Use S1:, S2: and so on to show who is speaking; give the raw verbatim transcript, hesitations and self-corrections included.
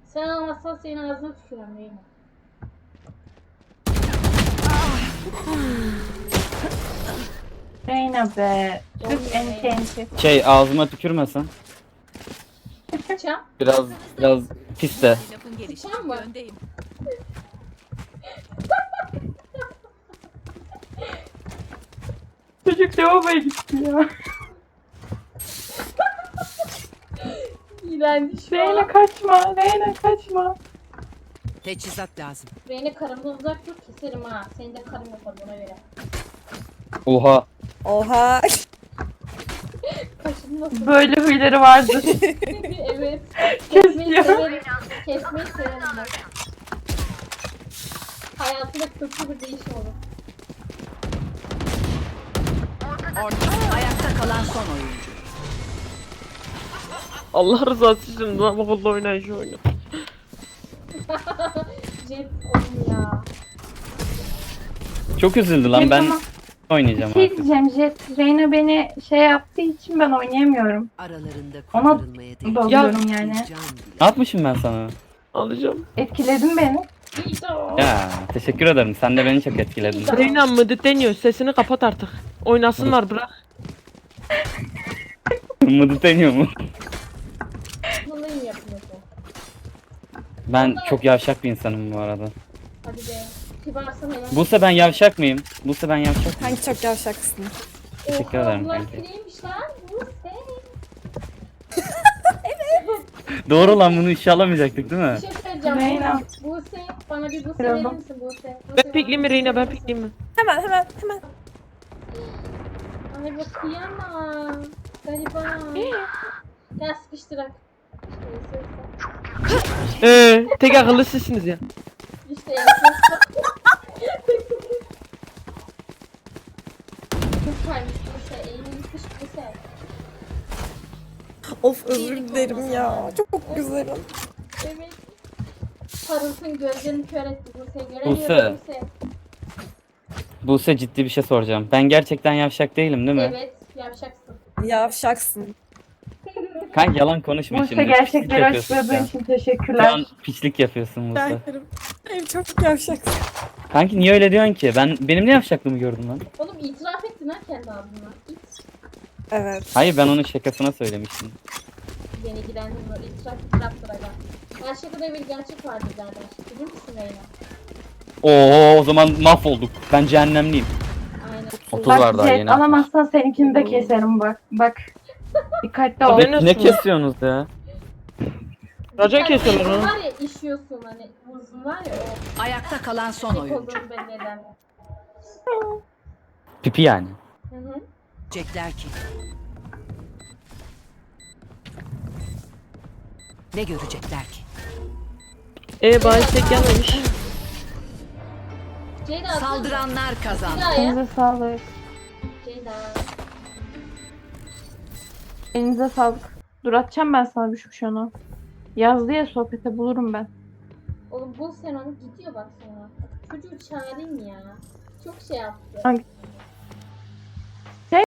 S1: Sen almazsan senin ağzına tükürüm değil mi?
S2: Reyna be. Türk enti enti.
S3: Şey ağzıma tükürmesin.
S1: Sıçam.
S3: Biraz biraz pis de.
S4: Lafın gelişi
S1: Sıçam mı?
S4: öndeyim.
S2: Çocuk lavaboya gitti ya.
S1: İğrenç şu
S2: Reyna
S1: an.
S2: kaçma. Reyna kaçma.
S4: Teçhizat lazım.
S1: Beni karımdan uzak dur keserim ha. Senin de karın yapar buna göre.
S3: Oha.
S5: Oha.
S1: Kaşın nasıl?
S2: Böyle huyları vardır.
S1: Evet. Kesmeyi
S2: Kesiyor.
S1: severim. Kesmeyi severim bak. Hayatında kötü bir değişim olur.
S4: Orta ayakta kalan son oyuncu.
S6: Allah rızası için lavaboda oynayın şu oyunu.
S1: Jet oyun ya.
S3: Çok üzüldü lan
S2: Jet
S3: ben
S2: ama-
S3: oynayacağım
S2: Şey
S3: artık.
S2: diyeceğim Jet. Reyna beni şey yaptığı için ben oynayamıyorum.
S4: Aralarında
S2: Ona
S4: kurtarılmaya değecek
S2: dalıyorum
S4: bir
S2: yani.
S4: can bile.
S3: Ne yapmışım ben sana?
S6: Alacağım.
S2: Etkiledin beni.
S3: Ya teşekkür ederim. Sen de beni çok etkiledin.
S6: Reyna mıdı deniyor. Sesini kapat artık. Oynasınlar bırak.
S3: Mıdı deniyor mu?
S1: Bunu iyi yapıyorsun.
S3: Ben çok yavşak bir insanım bu arada.
S1: Hadi be. Kibarsın helal.
S3: Buse ben yavşak mıyım? Buse ben yavşak mıyım?
S5: Hangi çok yavşaksın.
S3: Teşekkür
S1: Oha,
S3: ederim
S1: bunlar
S3: kanki.
S1: kireymiş lan. Bu sen.
S3: Doğru lan bunu işe alamayacaktık değil mi?
S1: Bir şey söyleyeceğim.
S2: Reyna.
S1: Buse, bana bir Buse
S2: Biraz
S1: verir
S2: da-
S1: misin Buse?
S6: Ben pikleyeyim mi Reyna, ben pikleyeyim mi?
S5: Hemen hemen hemen.
S1: Ay bu kıyamam. Gariban. Gel sıkıştırak. İşte
S6: Eee tek akıllı sizsiniz ya.
S1: İşte ensesi. Çok kaymış Buse. Eğilin yıkış Buse.
S5: Of özür dilerim ya. Çok güzelim.
S1: Evet. Parıltın gözlerini kör etti Buse.
S3: Buse.
S1: Göremiyorum Buse.
S3: Buse ciddi bir şey soracağım. Ben gerçekten yavşak değilim değil mi?
S1: Evet. Yapacaksın.
S5: Yavşaksın.
S3: Kanka yalan konuşma
S2: Buse
S3: şimdi. Piçlik
S2: gerçekleri
S3: yapıyorsun
S2: açıkladığın
S3: şu an.
S2: için
S3: Şu
S2: teşekkürler.
S3: an piçlik yapıyorsun Buse.
S5: Berkerim. Benim çok yavşaksın.
S3: Kanki niye öyle diyorsun ki? Ben benim ne yavşaklığımı gördün lan?
S1: Oğlum itiraf ettin ha kendi ağzına. İt.
S5: Evet.
S3: Hayır ben onun şakasına söylemiştim.
S1: Beni ilgilendirmiyor. İtiraf itiraftır aga. Her şakada bir gerçek vardır zaten. Bilir misin Reyna?
S3: Oo o zaman mahvolduk. Ben cehennemliyim.
S1: Aynen.
S3: otuz
S2: Bak
S3: var daha
S2: Jet
S3: yeni.
S2: alamazsan seninkini de keserim bak. Bak. Dikkatli ol.
S6: Ben-
S3: Ne kesiyorsunuz ya?
S6: Racon
S1: Bir tane
S6: kesiyorlar
S1: uzun
S6: onu.
S1: var ya işiyorsun hani uzun var ya o
S4: Ayakta kalan son
S1: tek
S4: oyuncu.
S1: olduğunu belli eden.
S3: Pipi yani.
S1: Hı hı.
S4: Diyecekler ki. Ne görecekler ki?
S6: Eee bahis tek gelmemiş.
S1: Ceyda atın.
S4: Saldıranlar kazandı.
S1: Ceyda'ya.
S2: Elinize sağlık.
S1: Ceyda.
S2: Elinize sağlık. Dur atacağım ben sana bir şu şunu. Yazdı ya sohbete bulurum ben.
S1: Oğlum bul sen onu gidiyor bak sonra. Çocuğu çağırayım ya. Çok şey yaptı.
S2: Hangi-